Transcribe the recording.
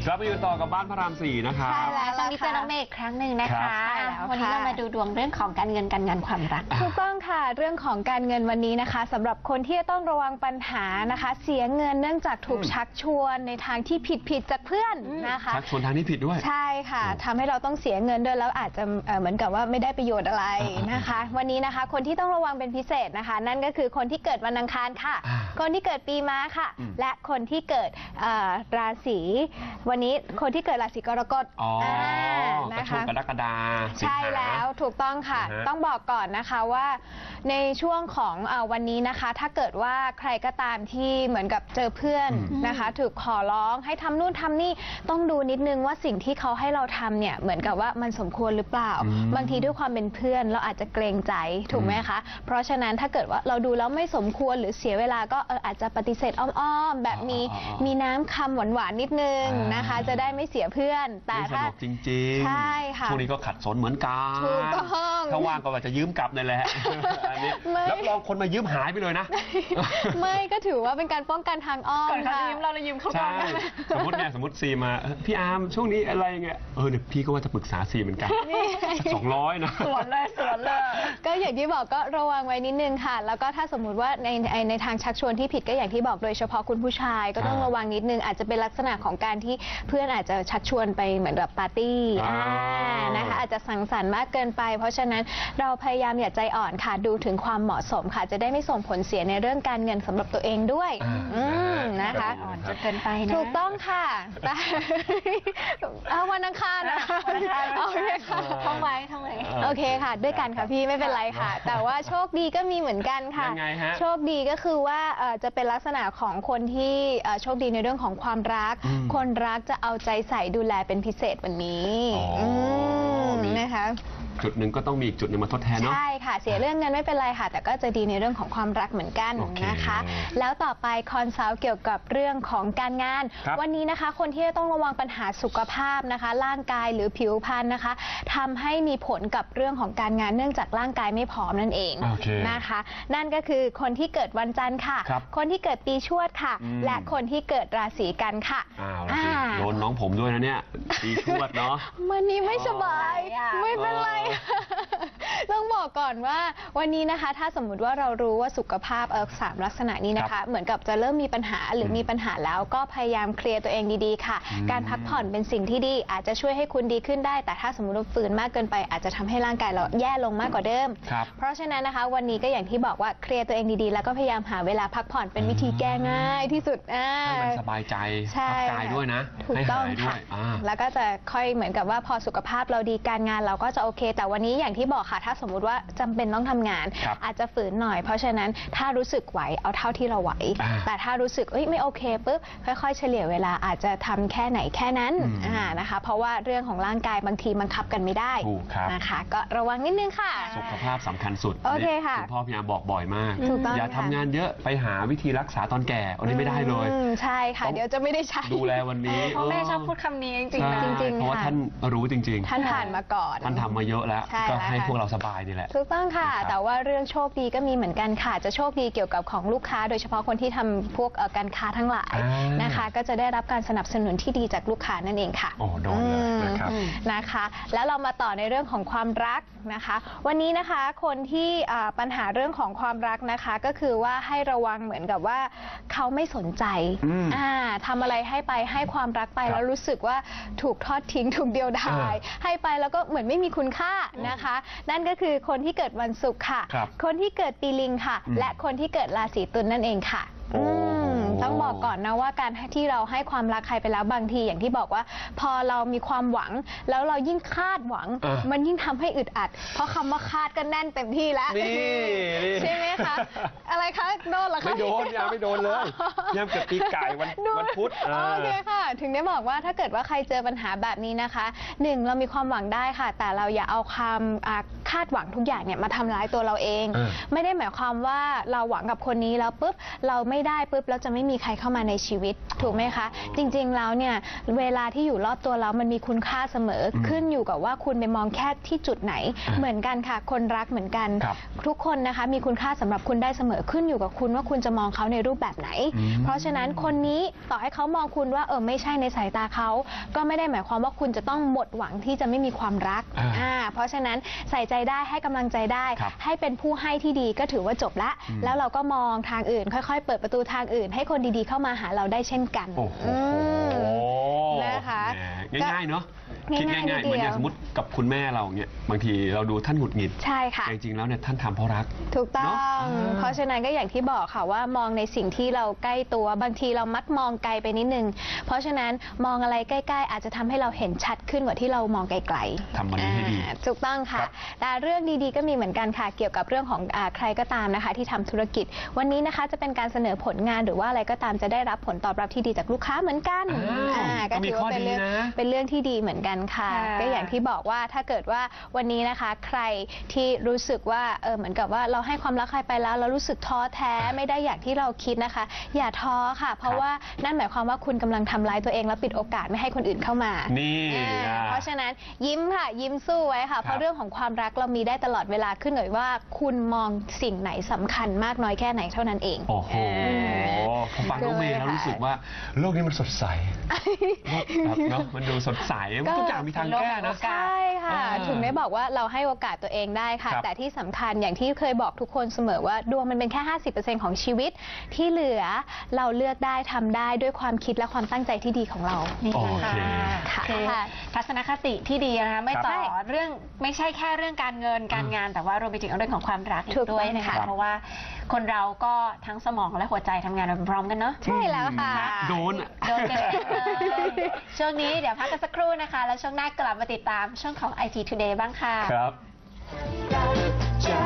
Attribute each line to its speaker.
Speaker 1: กลับมาอยู่ต่อกับบ้านพระราม4นะครับ
Speaker 2: ใช่แล้วตอนนี้เจอน้องเมย์อีกครั้งหนึ่งนะคะวันนี้เรามาดูดวงเรื่องของการเงินการงานความรัก
Speaker 3: ถูกต้องค่ะเรื่องของการเงินวันนี้นะคะสำหรับคนที่จะต้องระวังปัญหานะคะเสียเงินเนื่องจากถูกชักชวนในทางที่ผิดจากเพื่อนนะคะ
Speaker 1: ชักชวนทางที่ผิดด้วย
Speaker 3: ใช่ค่ะทำให้เราต้องเสียเงินด้วยแล้วอาจจะเหมือนกับว่าไม่ได้ประโยชน์อะไรนะคะวันนี้นะคะคนที่ต้องระวังเป็นพิเศษนะคะนั่นก็คือคนที่เกิดวันอังคารค่ะคนที่เกิดปีม้าค่ะและคนที่เกิดราศีวันนี้คนที่เกิดราศีกรกฎ
Speaker 1: นะคะกรกฎา
Speaker 3: ใช่แล้วถูกต้องค่ะต้องบอกก่อนนะคะว่าในช่วงของวันนี้นะคะถ้าเกิดว่าใครก็ตามที่เหมือนกับเจอเพื่อนนะคะถูกขอร้องให้ทำนู่นทำนี่ต้องดูนิดนึงว่าสิ่งที่เขาให้เราทำเนี่ยเหมือนกับว่ามันสมควรหรือเปล่าบางทีด้วยความเป็นเพื่อนเราอาจจะเกรงใจถูกไหมคะเพราะฉะนั้นถ้าเกิดว่าเราดูแล้วไม่สมควรหรือเสียเวลาก็อาจจะปฏิเสธอ้อมๆแบบมีน้ำคำหวานๆนิดนึงนะคะจะได้ไม่เสียเพื่อน
Speaker 1: แต่ถ้าจริงๆ
Speaker 3: ใช่ค่ะ
Speaker 1: ช่วงนี้ก็ขัดสนเหมือนกัน
Speaker 3: ถูกต้อง
Speaker 1: ถ้าว่างก็ว่าจะยืมกลับนั่นแหละอันนี้รับรองคนมายืมหายไปเลยนะ
Speaker 3: ไม่ก็ถือว่าเป็นการป้องกันทางอ้อม
Speaker 2: ค่ะยืมเรายืมเขาก่อน
Speaker 1: สมมติซีมาพี่อาร์มช่วงนี้อะไรเงี้ยเดี๋ยวพี่ก็ว่าจะปรึกษาซีเหมือนกัน200นะ
Speaker 2: สวนเลย
Speaker 3: ก็อย่างที่บอกก็ระวังไว้นิดนึงค่ะแล้วก็ถ้าสมมุติว่าในทางชักชวนที่ผิดก็อย่างที่บอกโดยเฉพาะคุณผู้ชายก็ต้องระวังนิดนึงอาจจะเป็นลักษณะของการที่เพื่อนอาจจะชักชวนไปเหมือนแบบปาร์ตี้นะคะอาจจะสังสรรค์มากเกินไปเพราะฉะนั้นเราพยายามอย่าใจอ่อนค่ะดูถึงความเหมาะสมค่ะจะได้ไม่ส่งผลเสียในเรื่องการเงินสำหรับตัวเองด้วยนะคะ
Speaker 2: อ่อนจนเกินไปนะ
Speaker 3: ถูกต้องค่ะวันอังคารนะโอเคค่ะ
Speaker 2: ท่องไว้
Speaker 3: โอเคค่ะด้วยกันค่ะพี่ไม่เป็นไรค่ะแต่ว่าโชคดีก็มีเหมือนกันค่ะโชคดีก็คือว่าจะเป็นลักษณะของคนที่โชคดีในเรื่องของความรักคนรักจะเอาใจใส่ดูแลเป็นพิเศษวันนี้นะคะ
Speaker 1: จุดหนึ่งก็ต้องมีอีกจุดหนึ่งมาทดแทนเนาะ
Speaker 3: ใช่ค่ะเสียเรื่องเงินไม่เป็นไรค่ะแต่ก็จะดีในเรื่องของความรักเหมือนกันนะคะแล้วต่อไปคอนซัลท์เกี่ยวกับเรื่องของการงานวันนี้นะคะคนที่ต้องระวังปัญหาสุขภาพนะคะร่างกายหรือผิวพรรณนะคะทำให้มีผลกับเรื่องของการงานเนื่องจากร่างกายไม่พร้อมนั่นเองนะคะนั่นก็คือคนที่เกิดวันจันทร์ค่ะคนที่เกิดปีชวดค่ะและคนที่เกิดราศีกันค่ะ
Speaker 1: โดนน้องผมด้วยนะเนี่ยปีชวดเนาะ
Speaker 3: วันนี้ไม่สบายไม่เป็นไรต้องบอกก่อนว่าวันนี้นะคะถ้าสมมุติว่าเรารู้ว่าสุขภาพ3ลักษณะนี้นะคะเหมือนกับจะเริ่มมีปัญหาหรือมีปัญหาแล้วก็พยายามเคลียร์ตัวเองดีๆค่ะการพักผ่อนเป็นสิ่งที่ดีอาจจะช่วยให้คุณดีขึ้นได้แต่ถ้าสมมติว่าฝืนมากเกินไปอาจจะทำให้ร่างกายเราแย่ลงมากกว่าเดิมเพราะฉะนั้นนะคะวันนี้ก็อย่างที่บอกว่าเคลียร์ตัวเองดีๆแล้วก็พยายามหาเวลาพักผ่อนเป็นวิธีแก้ง่ายที่สุด
Speaker 1: ให้มันสบายใจพักกายด้วยนะ
Speaker 3: ถูกต้องค่ะแล้วก็จะค่อยเหมือนกับว่าพอสุขภาพเราดีการงานเราก็จะโอเคแต่วันนี้อย่างที่บอกค่ะถ้าสมมุติว่าจำเป็นต้องทำงานอาจจะฝืนหน่อยเพราะฉะนั้นถ้ารู้สึกไหวเอาเท่าที่เราไหวแต่ถ้ารู้สึกไม่โอเคปุ๊บค่อยๆเฉลี่ยเวลาอาจจะทำแค่ไหนแค่นั้นนะคะเพราะว่าเรื่องของร่างกายบางทีบังคับกันไม่ได้นะคะก็ระวังนิดนึงค่ะ
Speaker 1: สุขภาพสำคัญสุด
Speaker 3: โอเคค่ะ
Speaker 1: คุณพ่อพยายามบอกบ่อยมากอย่าทำงานเยอะไปหาวิธีรักษาตอนแก่อันนี้ไม่ได้เลย
Speaker 3: ใช่ค่ะเดี๋ยวจะไม่ได้ใช้
Speaker 1: ดูแลวันนี้
Speaker 2: แม่ชอบพูดคำนี้จริง
Speaker 1: ๆเพราะว่าท่านรู้จริง
Speaker 3: ๆท่านผ่านมาก่อน
Speaker 1: ท่านทำมาเยอะแล้วก็ให้พวกเราสบายนี่แหละ
Speaker 3: ถูกต้องค่ะแต่ว่าเรื่องโชคดีก็มีเหมือนกันค่ะจะโชคดีเกี่ยวกับของลูกค้าโดยเฉพาะคนที่ทำพวกการค้าทั้งหลายนะคะก็จะได้รับการสนับสนุนที่ดีจากลูกค้านั่นเองค่ะ
Speaker 1: โอ้โดนเลยนะครับ
Speaker 3: นะคะแล้วเรามาต่อในเรื่องของความรักนะคะวันนี้นะคะคนที่ปัญหาเรื่องของความรักนะคะก็คือว่าให้ระวังเหมือนกับว่าเขาไม่สนใจทำอะไรให้ไปให้ความรักไปแล้วรู้สึกว่าถูกทอดทิ้งถูกเดียวดายให้ไปแล้วก็เหมือนไม่มีคุณค่านะคะนั่นก็คือคนที่เกิดวันศุกร์ค่ะคนที่เกิดปีลิงค่ะและคนที่เกิดราศีตุลนั่นเองค่ะต้องบอกก่อนนะว่าการที่เราให้ความรักใครไปแล้วบางทีอย่างที่บอกว่าพอเรามีความหวังแล้วเรายิ่งคาดหวังมันยิ่งทำให้อึดอัดเพราะคำว่าคาดก็แน่นเต็มที่แล้วใช่ไหมคะอะไรคะโดนเหรอคะ
Speaker 1: ไม่โดนยังไม่โดนเลยยังเกิดปีไก่วันพุธ
Speaker 3: โอเคค่ะถึงได้บอกว่าถ้าเกิดว่าใครเจอปัญหาแบบนี้นะคะ1เรามีความหวังได้ค่ะแต่เราอย่าเอาความคาดหวังทุกอย่างเนี่ยมาทำร้ายตัวเราเองไม่ได้หมายความว่าเราหวังกับคนนี้แล้วปุ๊บเราไม่ได้ปุ๊บแล้วจะไม่มีใครเข้ามาในชีวิตถูกไหมคะจริงๆแล้วเนี่ยเวลาที่อยู่รอบตัวเรามันมีคุณค่าเสมอขึ้นอยู่กับว่าคุณไปมองแค่ที่จุดไหนเหมือนกันค่ะคนรักเหมือนกันทุกคนนะคะมีคุณค่าสำหรับคุณได้เสมอขึ้นอยู่กับคุณว่าคุณจะมองเขาในรูปแบบไหนเพราะฉะนั้นคนนี้ต่อให้เขามองคุณว่าไม่ไม่ใช่ในสายตาเขาก็ไม่ได้หมายความว่าคุณจะต้องหมดหวังที่จะไม่มีความรักเพราะฉะนั้นใส่ใจได้ให้กำลังใจได้ให้เป็นผู้ให้ที่ดีก็ถือว่าจบละแล้วเราก็มองทางอื่นค่อยๆเปิดประตูทางอื่นให้คนดีๆเข้ามาหาเราได้เช่นกันนะคะ
Speaker 1: ง่ายๆเนาะคิดง่ายๆเหมือนอย่างสมมติกับคุณแม่เราเนี่ยบางทีเราดูท่านหงุดหงิด
Speaker 3: ใช่ค่ะ
Speaker 1: จริงๆแล้วเนี่ยท่านทำเพราะรัก
Speaker 3: ถูกต้องเพราะฉะนั้นก็อย่างที่บอกค่ะว่ามองในสิ่งที่เราใกล้ตัวบางทีเรามักมองไกลไปนิดนึงเพราะฉะนั้นมองอะไรใกล้ๆอาจจะทำให้เราเห็นชัดขึ้นกว่าที่เรามองไกลๆ
Speaker 1: ทำมันให้ดี
Speaker 3: ถูกต้องค่ะแต่เรื่องดีๆก็มีเหมือนกันค่ะเกี่ยวกับเรื่องของใครก็ตามนะคะที่ทำธุรกิจวันนี้นะคะจะเป็นการเสนอผลงานหรือว่าอะไรก็ตามจะได้รับผลตอบรับที่ดีจากลูกค้าเหมือนกันก็ถือว่าเป็นเรื่องที่ดีเหมือนกันค่ะก็อย่างที่บอกว่าถ้าเกิดว่าวันนี้นะคะใครที่รู้สึกว่าเหมือนกับว่าเราให้ความรักใครไปแล้วเรารู้สึกท้อแท้ไม่ได้อย่างที่เราคิดนะคะอย่าท้อค่ะเพราะว่านั่นหมายความว่าคุณกำลังทำร้ายตัวเองและปิดโอกาสไม่ให้คนอื่นเข้ามา
Speaker 1: นี่
Speaker 3: เพราะฉะนั้นยิ้มค่ะยิ้มสู้ไว้ค่ะเพราะเรื่องของความรักเรามีได้ตลอดเวลาขึ้นอยู่ว่าคุณมองสิ่งไหนสำคัญมากน้อยแค่ไหนเท่านั้นเอง
Speaker 1: โอ้โหพอฟังน้องเมย์แล้วรู้สึกว่าโลกนี้มันสดใสเนาะมันดูสดใสทุกอย่างมีทางแก้นะ
Speaker 3: ใช่ค่ะถึงได้บอกว่าเราให้โอกาสตัวเองได้ค่ะแต่ที่สำคัญอย่างที่เคยบอกทุกคนเสมอว่าดวงมันเป็นแค่ 50% ของชีวิตที่เหลือเราเลือกได้ทำได้ด้วยความคิดและความตั้งใจที่ดีของเรา
Speaker 2: นี่ค่ะทัศนคติที่ดีนะคะไม่ต่อเรื่องไม่ใช่แค่เรื่องการเงินการงานแต่ว่ารวมไปถึงเรื่องของความรักด้วยนะคะเพราะว่าคนเราก็ทั้งสมองและหัวใจทำงานพร้อมกันเนาะ
Speaker 3: ใช่แล้วค่ะ
Speaker 1: โดน
Speaker 2: กันเลยช่วงนี้เดี๋ยวพักกันสักครู่นะคะแล้วช่วงหน้ากลับมาติดตามช่วงของ IT Today บ้างค่ะ
Speaker 1: ครับ